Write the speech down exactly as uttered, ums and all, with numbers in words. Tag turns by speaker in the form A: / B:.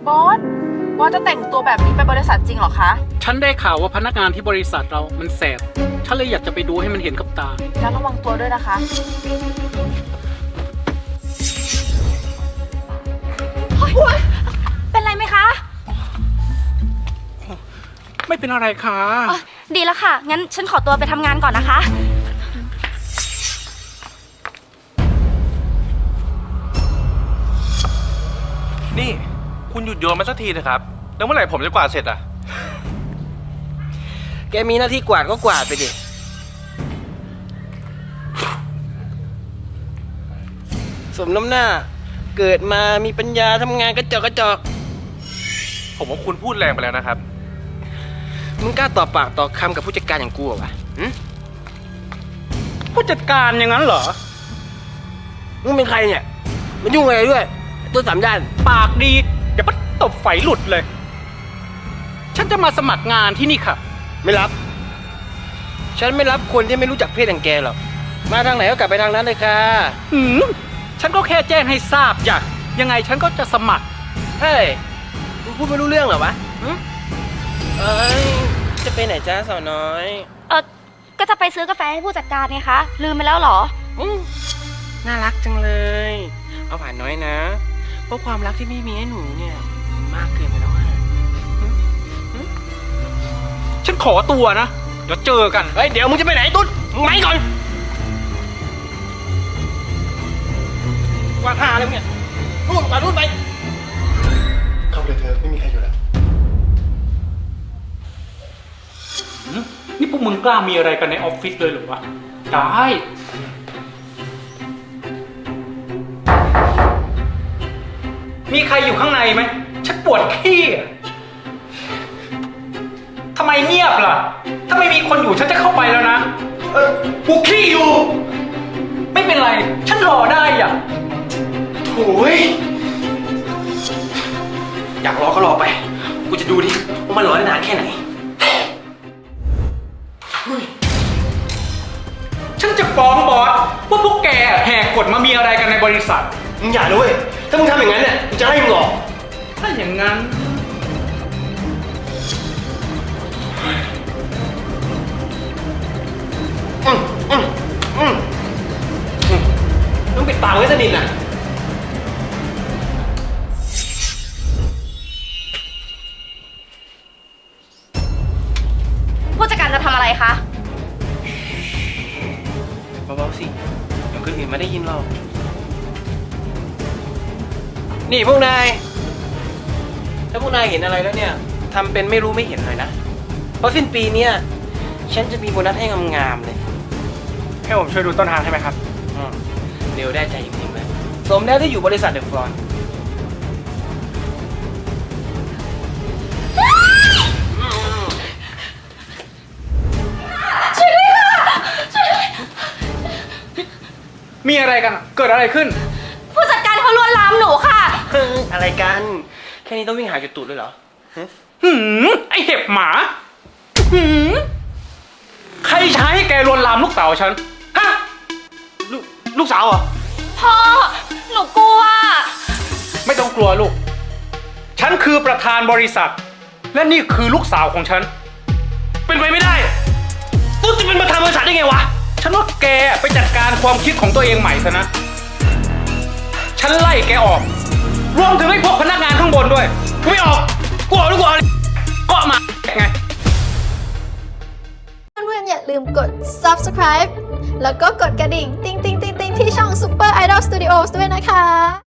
A: บอสบอสจะแต่งตัวแบบนี้ไปบริษัทจริงเหรอคะ
B: ฉันได้ข่าวว่าพนักงานที่บริษัทเรามันแสบฉันเลยอยากจะไปดูให้มันเห็นกับตา
A: แล้วระวังตัวด้วยนะคะเป็นไรไหมคะ
B: ไม่เป็นอะไรค่ะ
C: ดีแล้วค่ะงั้นฉันขอตัวไปทำงานก่อนนะคะ
D: นี่คุณหยุดโยนมาสักทีเถอะครับแล้วเมื่อไหร่ผมจะกวาดเสร็จอ่ะ
E: แกมีหน้าที่กวาดก็กวาดไปดิสมน้ำหน้าเกิดมามีปัญญาทำงานกระจอกกระจอก
D: ผมว่าคุณพูดแรงไปแล้วนะครับ
E: มึงกล้าต่อปากต่อคำกับผู้จัดการอย่างกูเหรอวะ
B: ผู้จัดการอย่างนั้นเหรอ
E: มึงเป็นใครเนี่ยมันยุ่งอะไรด้วยตัวสามด้าน
B: ปากดีเดี๋ยวปั๊ตบไฟหลุดเลยฉันจะมาสมัครงานที่นี่ค่ะ
E: ไม่รับฉันไม่รับคนที่ไม่รู้จักเพศอย่างแกหรอกมาทางไหนก็กลับไปทางนั้นเลยค่ะ
B: อืมฉันก็แค่แจ้งให้ทราบอยากยังไงฉันก็จะสมัคร
E: เฮ้ยมึงพูดไม่รู้เรื่องเหรอวะเอ้ยจะไปไหนจ้าสาวน้อย
C: เออก็จะไปซื้อกาแฟให้ผู้จัดการไงคะลืมไปแล้วเหรอ
E: อืมน่ารักจังเลยเอาผ่านน้อยนะเพราะความรักที่ไม่มีให้หนูเนี่ยมากเกินไปแล้วอะ
B: ฉันขอตัวนะเดี๋ยวเจอกัน
E: เฮ้ยเดี๋ยวมึงจะไปไหนตุ๊ดมึงไหมก่อนว่าท่าอะไรมึงเนี่ยนู่นไปนู่นไป
F: เข้าเลยเธอไม่มีใครอยู่แล้ว
B: นี่พวกมึงกล้ามีอะไรกันในออฟฟิศเลยหรือวะได้มีใครอยู่ข้างในไหมฉันปวดขี้ทำไมเงียบล่ะถ้าไม่มีคนอยู่ฉันจะเข้าไปแล้วนะเออกูขี้อยู่ไม่เป็นไรฉันรอได้อ่ะ
E: โถ่อยากรอก็รอไปกูจะดูดิว่ามันรอได้นานแค่ไหน
B: ฉันจะฟ้องบอสว่าพวกแกแหกกฎมามีอะไรกันในบริษัท
E: มึงอย่าด้วยถ้ามึงทำอย่างนั้นเนี่ยกูจะไล่มึงออก
B: ถ้าอย่างนั้น
E: อืมอืมอืมต้องปิดปากไว้สนิทน่ะ
C: ผู้จัดการจะทำอะไรคะ
E: เบาๆสิเดี๋ยวคนอื่นไม่ได้ยินเรานี่พวกนายถ้าพวกนายเห็นอะไรแล้วเนี่ยทำเป็นไม่รู้ไม่เห็นเลยนะเพราะสิ้นปีเนี้ยฉันจะมีโบนัสให้งามๆเลย
B: ให้ผมช่วยดูต้นทางใช่ไหมครับ
E: เร็วได้ใจจริงๆเลยสมแล้วที่อยู่บริษัทเดอะฟลอน
C: ช่วยด้วยค่ะช่วยด้วย
B: มีอะไรกันเกิดอะไรขึ้น
C: ผู้จัดการเขาลวนลามหนูค่ะ
E: อะไรกันแค่นี้ต้องวิ่งหาจุดตูดเลยเหรอ
B: หืมไอเห็บหมาหืมใครใช้ให้แกลวนลามลูกสาวฉันฮะ
E: ลูกลูกสาวเหรอ
C: พ่อหนูกลัว
B: ไม่ต้องกลัวลูกฉันคือประธานบริษัทและนี่คือลูกสาวของฉัน
E: เป็นไปไม่ได้ตุ๊ดจะเป็นประธานบริษัทได้ไงวะ
B: ฉันว่าแกไปจัดการความคิดของตัวเองใหม่ซะนะฉันไล่แกออกรวมถึงไอ้พวกพนักงานข้างบนด้วย
E: กูไม่ออกกูออกหรือกูออก
B: ก็มาไง
G: เพื่อนๆอย่าลืมกด ซับสไครบ์ แล้วก็กดกระดิ่ง ติ๊งติ๊งติ๊งติ๊งที่ช่อง Super Idol Studios ด้วยนะคะ